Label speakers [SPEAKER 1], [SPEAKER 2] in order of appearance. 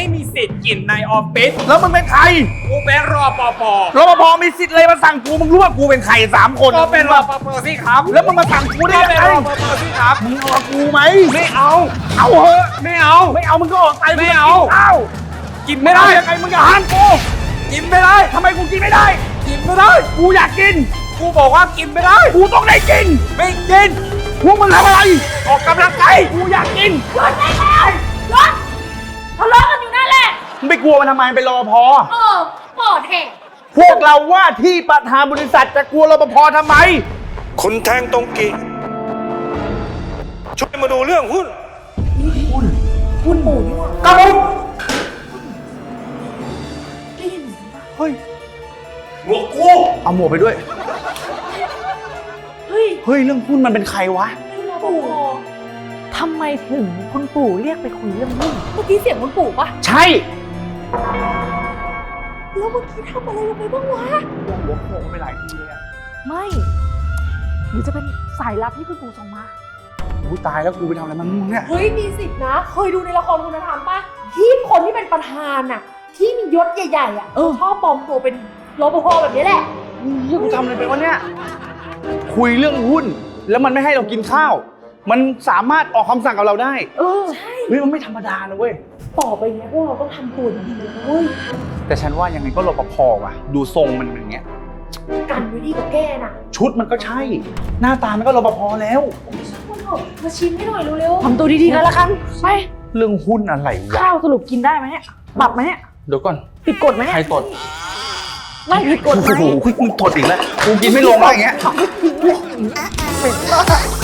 [SPEAKER 1] ไม่มีสิทธิ์กินในออฟฟิศ
[SPEAKER 2] แล้วมึงเป็นใคร
[SPEAKER 1] กูเป็นรปภ
[SPEAKER 2] รปภมีสิทธิ์อะไรมาสั่งกูมึงรู้ว่ากูเป็นใคร3 คน
[SPEAKER 1] ก็เป็นรปภสิครับ
[SPEAKER 2] แล้วมึงมาสั่งกูได้
[SPEAKER 1] ก็
[SPEAKER 2] ยัง
[SPEAKER 1] เป็น
[SPEAKER 2] ไง
[SPEAKER 1] รปภสิครับ
[SPEAKER 2] มึงเอากูไหม
[SPEAKER 1] ไม่เอา
[SPEAKER 2] เอาเหอะ
[SPEAKER 1] ไม่เอา
[SPEAKER 2] ไม่เอามึงก็ออกไป
[SPEAKER 1] ไม่เอา
[SPEAKER 2] เอา
[SPEAKER 1] กินไม่ได้
[SPEAKER 2] ยังไงมึงอย่าห้ามกู
[SPEAKER 1] กินไม่ได้
[SPEAKER 2] ทำไมกูกินไม่ได้
[SPEAKER 1] กินไม่ได้
[SPEAKER 2] กูอยากกิน
[SPEAKER 1] กูบอกว่ากินไม่ได้
[SPEAKER 2] กูต้องได้กิน
[SPEAKER 1] ไม่กิน
[SPEAKER 2] พวกมึงทำอะไร
[SPEAKER 1] ออกกำลังกาย
[SPEAKER 2] กูอยากกิน
[SPEAKER 3] หยุดได้แล้วหยุดทะเลาะกันอยู่นั่นแหละ
[SPEAKER 2] มึงไปกลัวมันทำไมเป็นรปภ
[SPEAKER 3] ปอดแหก
[SPEAKER 2] พวกเราว่าที่ประธานบริษัทจะกลัวรปภทำไม
[SPEAKER 4] คุณแทงตรงกิช่วยมาดูเรื่องหุ้น
[SPEAKER 3] คุณปู่นี่ว่ะ
[SPEAKER 2] กระผม
[SPEAKER 3] ได้ยินไหม
[SPEAKER 2] เฮ้ย
[SPEAKER 4] หมวกกู
[SPEAKER 2] เอาหมวกไปด้วย
[SPEAKER 3] เฮ้ย
[SPEAKER 2] เฮ้ยเรื่องหุ้นมันเป็นใครวะ
[SPEAKER 3] คุณปู่
[SPEAKER 5] ทำไมถึงคุณปู่เรียกไปคุยเรื่องหุ้น
[SPEAKER 3] เมื่อกี้เสียงคุณปู่ปะ
[SPEAKER 2] ใช่
[SPEAKER 3] แล้วเมื่อกี้ทำอะไรลงไปบ้างวะ
[SPEAKER 2] หัวโขกไปหลายทีเลยอะ
[SPEAKER 5] ไม่ หรือจะเป็นสายลับที่คุณปู่ส่งมา
[SPEAKER 2] กูตายแล้วกูไปทำอะไรมันมึงเนี่ย
[SPEAKER 3] เฮ้ยมีสิทธินะ เคยดูในละครคุณธรรมปะที่คนที่เป็นประธานอะที่มียศใหญ่ๆอะชอบปลอมตัวเป็นรปภแบบนี้แหละ
[SPEAKER 2] เฮ้ยกูทำอะไรไปวะเนี่ย คุยเรื่องหุ้น แล้วมันไม่ให้เรากินข้าว มันสามารถออกคำสั่งกับเราได้
[SPEAKER 3] ใช่
[SPEAKER 2] เฮ้ยมันไม่ธรรมดานะเว้ย
[SPEAKER 3] ต่อไปเนี้ยพวกเราต้องทำตัวดีๆเลยนะเว้ย
[SPEAKER 2] แต่ฉันว่ายังไงก็รปภว่ะ ดูทรงมันอย่างเงี้ย
[SPEAKER 3] กันไว้ดีกว่าแก้น่ะ
[SPEAKER 2] ชุดมันก็ใช่ หน้าตามันก็รปภแล้ว
[SPEAKER 3] คุณเถอะมาชิมให้หน่อยเร็ว
[SPEAKER 5] ทำตัวดีๆกันละกันไป
[SPEAKER 2] เรื่องหุ้นอะไรวะ
[SPEAKER 5] ข้าวสรุปกินได้ไหมเนี่ยปรับไหมเนี่ย
[SPEAKER 2] เดี๋ยวก่อน
[SPEAKER 5] ผิดกฎไหมเนี่ย
[SPEAKER 2] ใครตด
[SPEAKER 5] ไม่ผิดกฎไหม
[SPEAKER 2] โอ้โหมึงตดอีกแล้ว กูกินไม่ลงแล้วอย่างเงี้ย
[SPEAKER 5] เหม็นมาก